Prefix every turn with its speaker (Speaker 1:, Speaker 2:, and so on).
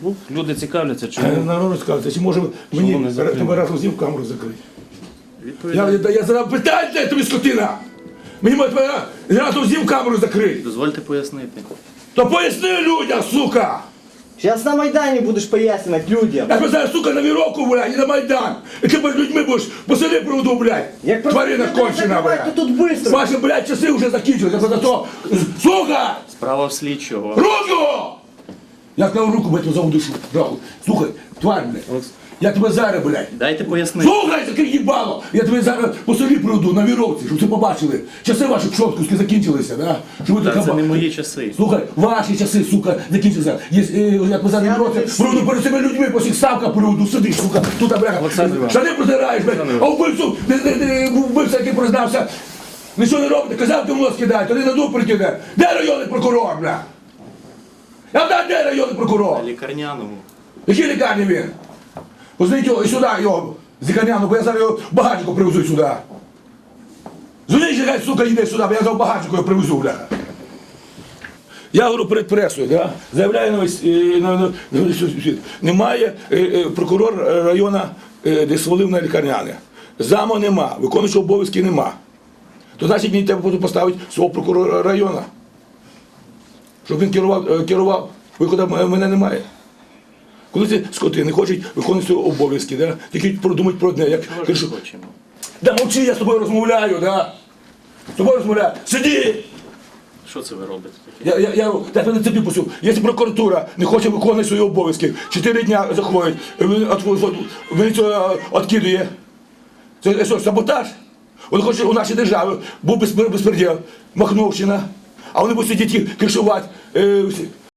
Speaker 1: Ну, люди цікавляться, чому.
Speaker 2: Народ розказується, чи може мені тебе разом з ним камеру закрити? Я задав питання, де тобі скотина! Мені може тебе разом з ним камеру закрити!
Speaker 1: Дозвольте пояснити.
Speaker 2: То поясни людям, сука!
Speaker 3: Зараз на Майдані будеш пояснювати людям.
Speaker 2: Я тебе зараз, сука, на віроку, блядь, і на Майдан! І ти перед людьми будеш по селі проводу, блядь!
Speaker 3: Як
Speaker 2: Тварина кончена,
Speaker 3: то
Speaker 2: блядь!
Speaker 3: тут быстро.
Speaker 2: Ваші, блядь, часи вже закінчилися, за то... Сука!
Speaker 1: Справа в слідчого.
Speaker 2: Руку! Я сказав руку, блядь, за душу. Рахуй. Слухай, тварь, блядь. Я тебе зараз, блядь.
Speaker 1: Дайте пояснити.
Speaker 2: Слухай, таке їбало! Я тебе зараз по селі приведу на віровці, щоб це побачили. Часи ваші пшоткуски закінчилися, да? Щоб ви
Speaker 1: Та
Speaker 2: така
Speaker 1: це не
Speaker 2: ба-
Speaker 1: мої часи.
Speaker 2: Слухай, ваші часи, сука, закінчилися. Я тебе зараз на віровці приведу перед цими людьми, по всіх ставках приведу, сиди, сука, тут, бляха.
Speaker 1: Олександр Іванович.
Speaker 2: Штани протираєш, блядь, а вбивцю, вбивця, який признався, нічого не робите, казав, ти в нос кидай, тоді на дуб прикине. Де районний прокурор, бля? Я знаю, де районний прокурор?
Speaker 1: На лікарняному.
Speaker 2: Якій лікарні він? Позвоніть його і сюди, його, з лікарняну, бо я зараз його багатько привезу сюди. Дзвоніть, хай, сука, йде сюди, бо я зараз багатько його привезу, бля. Я говорю перед пресою, да? Заявляю на весь світ. Немає прокурор району, де свалив на лікарняне. Заму нема, виконуючого обов'язки нема. То значить мені треба буде поставити свого прокурора району. Щоб він керував, виходу в мене немає. Коли ці скоти не хочуть виконувати свої обов'язки, да? Тільки продумати про одне, як
Speaker 1: Ми
Speaker 2: кажу,
Speaker 1: ж хочемо.
Speaker 2: да мовчи, я з тобою розмовляю, да? З тобою розмовляю, сиди!
Speaker 1: Що це ви робите таке?
Speaker 2: Я тебе на тобі пустив. Якщо прокуратура не хоче виконувати свої обов'язки, 4 дня заходить, він це відкидує. Це що, саботаж? Він хоче у нашій державі був безпреділ, Махновщина, а вони будуть сидіти кришувати.